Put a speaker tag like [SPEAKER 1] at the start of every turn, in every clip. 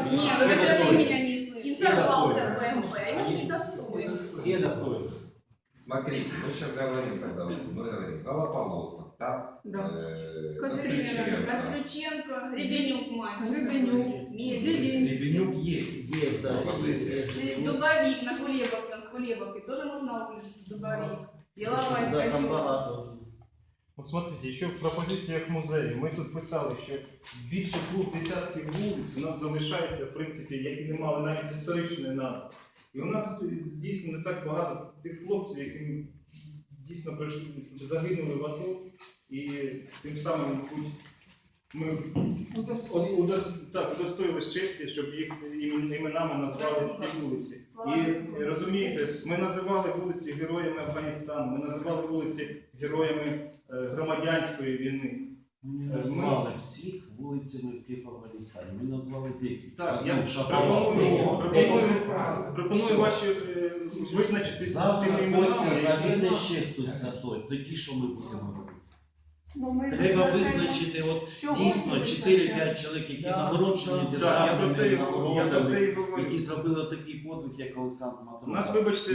[SPEAKER 1] Нет, вы меня не слышите.
[SPEAKER 2] Информация БМП, они недостойны.
[SPEAKER 3] Все достойны.
[SPEAKER 4] Смотрите, мы сейчас говорим тогда, мы говорим, Голополосов, так?
[SPEAKER 1] Да.
[SPEAKER 4] Костриченко.
[SPEAKER 1] Костриченко, Ребенюк, мальчик.
[SPEAKER 3] Ребенюк.
[SPEAKER 1] Мизелин.
[SPEAKER 3] Ребенюк есть. Есть, да.
[SPEAKER 1] Дубовик на Кулебовке тоже можно увидеть. Дубовик. Яловайська.
[SPEAKER 3] Да, там багато.
[SPEAKER 5] От смотрите, ще в пропозиціях музею ми тут писали, що більше 2 десятків вулиць у нас залишається, в принципі, які не мали навіть історичної назви. І у нас дійсно не так багато тих хлопців, які дійсно пройшли, загинули в АТО, і тим самим, мабуть, ми удостоїлись честі, щоб їх іменами назвали ці вулиці. І розумієте, ми називали вулиці героями Афганістану, ми називали вулиці героями громадянської війни.
[SPEAKER 6] Ми не назвали всіх вулицями в Афганістані, ми назвали деякі.
[SPEAKER 5] Так,
[SPEAKER 6] Ну,
[SPEAKER 5] я пропоную ваші визначити з тими іменами.
[SPEAKER 6] Загине ще хтось за той, тоді що ми будемо робити? Треба визначити, от дійсно 4-5 чоловік, які нагороджені державними нагородами, які зробили такий подвиг, як Олександр Матросов.
[SPEAKER 5] У нас, вибачте,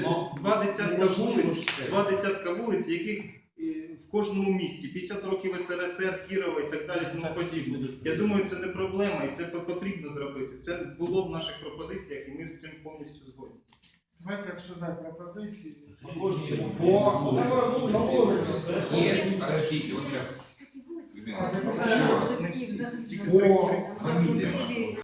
[SPEAKER 5] 2 десятка вулиць, яких в кожному місті, 50 років СРСР, Кірова і так далі, тому подібне. Я думаю, це не проблема і це потрібно зробити. Це було в наших пропозиціях і ми з цим повністю згодні.
[SPEAKER 7] Давайте обсуждать пропозиции.
[SPEAKER 4] Нет, подождите, вот сейчас.
[SPEAKER 7] По
[SPEAKER 4] По фамилиям.